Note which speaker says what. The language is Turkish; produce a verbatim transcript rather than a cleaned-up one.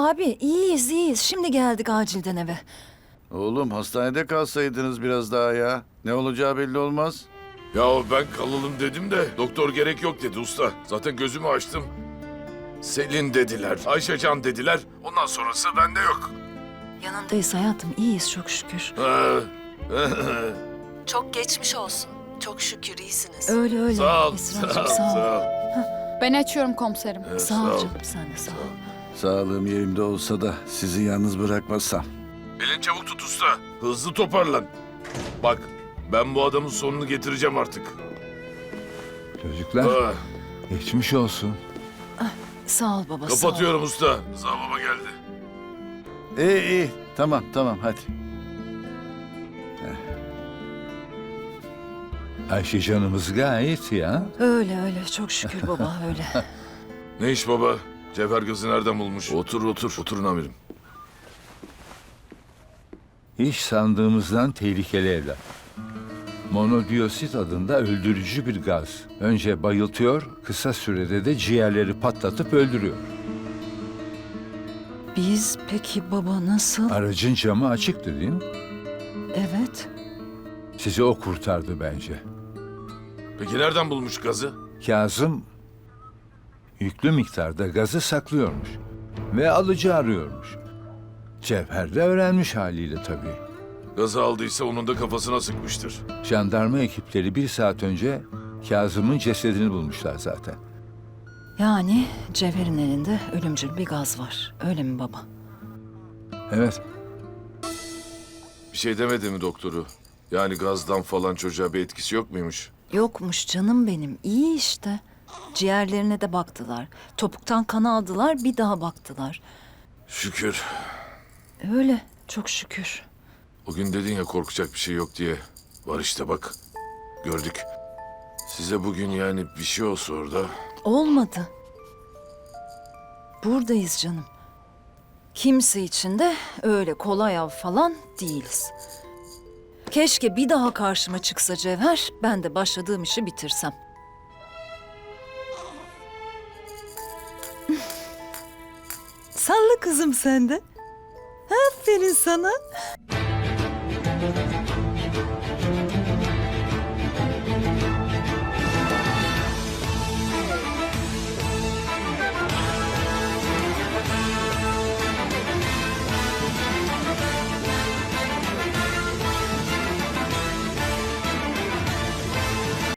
Speaker 1: abi iyiyiz iyiyiz. Şimdi geldik acilden eve.
Speaker 2: Oğlum hastanede kalsaydınız biraz daha ya. Ne olacağı belli olmaz.
Speaker 3: Ya ben kalalım dedim de doktor gerek yok dedi usta. Zaten gözümü açtım. Selin dediler, Ayşecan dediler. Ondan sonrası bende yok.
Speaker 1: Yanındayız hayatım, iyiyiz çok şükür.
Speaker 3: Ha.
Speaker 4: Çok geçmiş olsun. Çok şükür iyisiniz.
Speaker 1: Öyle öyle.
Speaker 3: Sağ ol,
Speaker 1: Esra'cığım,
Speaker 3: sağ ol,
Speaker 1: sağ ol.
Speaker 3: sağ ol.
Speaker 5: Ben açıyorum komiserim.
Speaker 3: Evet,
Speaker 1: Sağ ol canım, sen de sağ ol.
Speaker 2: Sağlığım yerimde olsa da sizi yalnız bırakmasam.
Speaker 3: Elin çabuk tut usta. Hızlı toparlan. Bak ben bu adamın sonunu getireceğim artık.
Speaker 6: Çocuklar
Speaker 3: Ah,
Speaker 6: geçmiş olsun.
Speaker 1: Sağ ol baba, sağ ol.
Speaker 3: kapatıyorum usta. Rıza baba geldi.
Speaker 2: İyi iyi. Tamam tamam hadi.
Speaker 6: Ayşe canımız gayet iyi ha.
Speaker 1: Öyle öyle, çok şükür baba öyle.
Speaker 3: Ne iş baba? Cevher gözü nereden bulmuş? Otur otur. Oturun amirim.
Speaker 6: İş sandığımızdan tehlikeli evlat. Monodioksit adında öldürücü bir gaz. Önce bayıltıyor, kısa sürede de ciğerleri patlatıp öldürüyor.
Speaker 1: Biz peki baba nasıl?
Speaker 6: Aracın camı açıktı değil mi?
Speaker 1: Evet.
Speaker 6: Sizi o kurtardı bence.
Speaker 3: Peki nereden bulmuş gazı?
Speaker 6: Kazım yüklü miktarda gazı saklıyormuş ve alıcı arıyormuş. Cevher de öğrenmiş haliyle tabii.
Speaker 3: Gazı aldıysa onun da kafasına sıkmıştır.
Speaker 6: Jandarma ekipleri bir saat önce Kazım'ın cesedini bulmuşlar zaten.
Speaker 1: Yani Cevher'in elinde ölümcül bir gaz var. Öyle mi baba?
Speaker 6: Evet,
Speaker 3: Bir şey demedi mi doktoru? Yani gazdan falan çocuğa bir etkisi yok muymuş?
Speaker 1: Yokmuş canım benim. İyi işte. Ciğerlerine de baktılar. Topuktan kan aldılar, bir daha baktılar.
Speaker 3: Şükür.
Speaker 1: Öyle, çok şükür.
Speaker 3: O gün dedin ya korkacak bir şey yok diye. Var işte bak. Gördük. Size bugün yani bir şey olsa orada.
Speaker 1: Olmadı. Buradayız canım. Kimse için de öyle kolay av falan değiliz. Keşke bir daha karşıma çıksa Cevher, ben de başladığım işi bitirsem. Salla kızım sen de. Aferin sana.